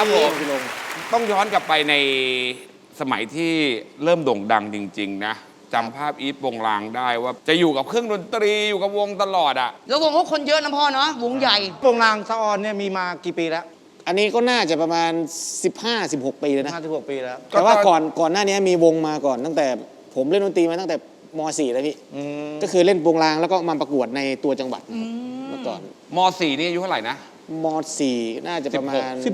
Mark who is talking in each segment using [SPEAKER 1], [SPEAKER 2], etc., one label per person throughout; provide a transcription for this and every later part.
[SPEAKER 1] ครับผมต้องย้อนกลับไปในสมัยที่เริ่มโด่งดังจริงๆนะจำภาพอีทวงลางได้ว่าจะอยู่กับเครื่องดนตรีอยู่กับวงตลอดอ่ะ
[SPEAKER 2] แล้ววงเขาคนเยอะนะพ่อเนาะวงใหญ่
[SPEAKER 3] วงรางสะออนเนี่ยมีมากี่ปีแล้ว
[SPEAKER 4] อันนี้ก็น่าจะประมาณ 15-16 ปีเลยนะ
[SPEAKER 3] 56 ปีแล้ว
[SPEAKER 4] แต่ว่าก่อนหน้านี้มีวงมาก่อนตั้งแต่ผมเล่นดนตรีมาตั้งแต่ม .4 แล้วพี่ก็คือเล่นวงรางแล้วก็มาประกวดในตัวจังหวัดเมื่อก่อน
[SPEAKER 1] ม .4 นี่อายุเท่าไหร่นะ
[SPEAKER 4] ม .4 น่าจะประมาณ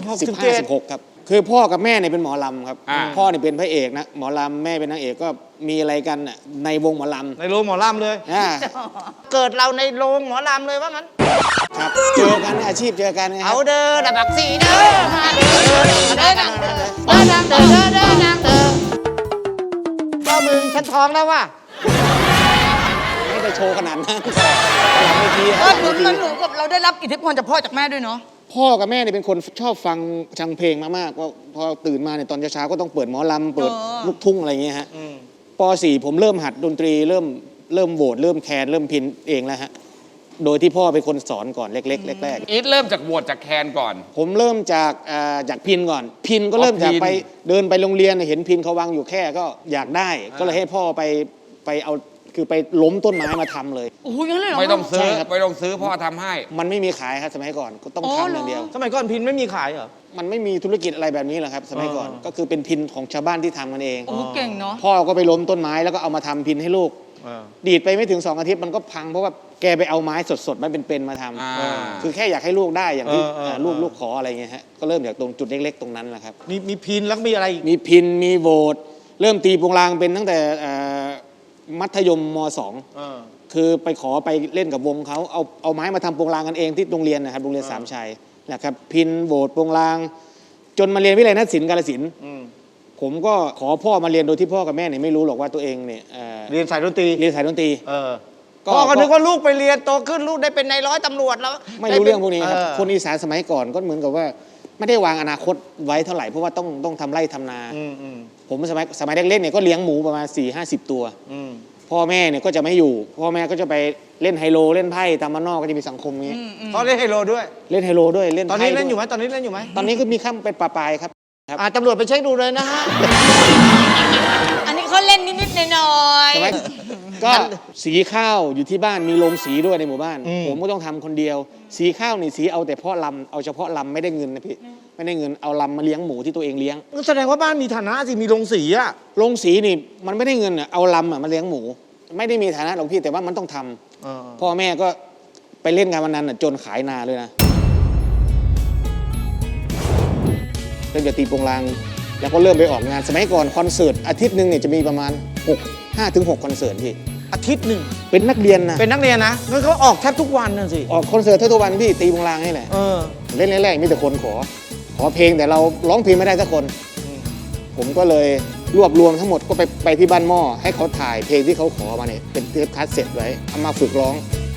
[SPEAKER 3] 16
[SPEAKER 4] ครับคือพ่อกับแม่เนี่ยเป็นหมอลำครับพ่อเนี่ยเป็นพระเอกนะหมอลำแม่เป็นนางเอกก็มีอะไรกันน่ะในวงหมอลำ
[SPEAKER 3] ในโรงหมอลำเลยเกิดเราในโรงหมอลำเลยว่างั้น
[SPEAKER 4] ครับเจอกันอาชีพเจอกัน
[SPEAKER 3] เอาเด้อดับบักสีเด้อมาเด้อเด้อนางเด้อเด้อนางเด้อเด้อนางเด้อพ่อมึงฉันท้องแล้วว่ะ
[SPEAKER 4] ไม่ได้โชว์ขนาดนั้น
[SPEAKER 2] มันหนูกับเราได้รับอิทธิพลจากพ่อจากแม่ด้วยเนาะ
[SPEAKER 4] พ่อกับแม่เนี่ยเป็นคนชอบฟังเพลงมากๆว่าพอตื่นมาเนี่ยตอนเช้าก็ต้องเปิดหมอลำเปิดลูกทุ่งอะไรอย่างเงี้ยฮะป .4 ผมเริ่มหัดดนตรีเริ่มโหวตเริ่มแคนเริ่มพินเองแล้วฮะโดยที่พ่อเป็นคนสอนก่อนเล็กๆแรก
[SPEAKER 1] อีทเริ่มจากโหวตจากแคนก่อน
[SPEAKER 4] ผมเริ่มจากพินก่อนพินก็เริ่มจากไปเดินไปโรงเรียนเห็นพินเขาวางอยู่แค่ก็อยากได้ก็เลยให้พ่อไปเอาคือไปล้มต้นไม้มาทำเลย
[SPEAKER 2] โอ้ยงั้นเลยเหรอ
[SPEAKER 1] ไม่ต้องซื้อพ่อทำให้
[SPEAKER 4] มันไม่มีขายครับสมัยก่อนก็ต้องทำอย่างเดียว
[SPEAKER 3] สมัยก่อนพินไม่มีขายเหรอ
[SPEAKER 4] มันไม่มีธุรกิจอะไรแบบนี้หรอกครับสมัยก่อนก็คือเป็นพินของชาวบ้านที่ทำกันเอง
[SPEAKER 2] โอ้เก่งเนาะ
[SPEAKER 4] พ่อก็ไปล้มต้นไม้แล้วก็เอามาทำพินให้ลูกดีดไปไม่ถึง2 อาทิตย์มันก็พังเพราะว่าแกไปเอาไม้สดๆมันเป็นมาทำคือแค่อยากให้ลูกได้อย่างที่ลูกขออะไรเงี้ยฮะก็เริ่มจากตรงจุดเล็กๆตรงนั้นแหละครับ
[SPEAKER 3] มีพินแล้วมีอะไร
[SPEAKER 4] มีพินมีโหวตเริ่มตีปงรางเป็นตั้งแต่มัธยมม .2 คือไปขอไปเล่นกับวงเขาเอาไม้มาทำปงรางกันเองที่โรงเรียนนะครับโรงเรียนสามชัยนะครับพินโหวตปงรางจนมาเรียนวิทยาลัยนักศิลป์กาฬสินธุ์ผมก็ขอพ่อมาเรียนโดยที่พ่อกับแม่เนี่ยไม่รู้หรอกว่าตัวเองเนี่ย
[SPEAKER 3] เรียนสายดนตรีพ่อก็นึกว่าลูกไปเรียนโตขึ้นลูกได้เป็นนายร้อยตำรวจแล้ว
[SPEAKER 4] ไม่รู้เรื่องพวกนี้ครับคนอีสานสมัยก่อนก็เหมือนกับว่าไม่ได้วางอนาคตไว้เท่าไหร่เพราะว่าต้องทำไร่ทำนาผมสมัยเล็กๆเนี่ยก็เลี้ยงหมูประมาณ40-50 ตัวพ่อแม่เนี่ยก็จะไม่อยู่พ่อแม่ก็จะไปเล่นไฮโลเล่นไพ่ตามบ้านนอกก็จะมีสังคมนี้
[SPEAKER 3] เขาเล่นไฮโลด้วย
[SPEAKER 4] เล่นไฮโลด้วยเล่น
[SPEAKER 3] ตอนนี้เล่นอยู่ไหมตอนนี้
[SPEAKER 4] ก็มีข้ามเป็นปลายครับ
[SPEAKER 3] ตำรวจไปเช็คดูเลยนะฮะ
[SPEAKER 2] อันนี้เขาเล่นนิดๆหน่อย
[SPEAKER 4] ๆก็สีข้าวอยู่ที่บ้านมีโรงสีด้วยในหมู่บ้านผมก็ต้องทำคนเดียวสีข้าวนี่สีเอาแต่เพาะลำเอาเฉพาะลำไม่ได้เงินนะพี่ไม่ได้เงินเอาลำมาเลี้ยงหมูที่ตัวเองเลี้ยง
[SPEAKER 3] แสดงว่าบ้านมีฐานะสิมีโรงสีอะ
[SPEAKER 4] โรงสีนี่มันไม่ได้เงินอ่ะเอาลำมาเลี้ยงหมูไม่ได้มีฐานะหรอกพี่แต่ว่ามันต้องทำพ่อแม่ก็ไปเล่นงานวันนั้นจนขายนาเลยนะเริ่มจะตีปงรางแล้วก็เริ่มไปออกงานสมัยก่อนคอนเสิร์ตอาทิตย์หนึ่งเนี่ยจะมีประมาณ5-6 คอนเสิร์ตพี่
[SPEAKER 3] อาทิตย์หนึ่ง
[SPEAKER 4] เป็นนักเรียนนะ
[SPEAKER 3] งั้นเขาออกแทบทุกวันน่ะสิ
[SPEAKER 4] ออกคอนเสิร์ตทุกวันพี่ตีปงรางนี่แหละเล่นแรกๆมีแต่คนขอเพลงแต่เราร้องเพลงไม่ได้สักคนผมก็เลยรวบรวมทั้งหมดก็ไปที่บ้านหม้อให้เขาถ่ายเพลงที่เขาขอมาเนี่ยเป็นเทปคัสเซ็ตไว้เอามาฝึกร้อง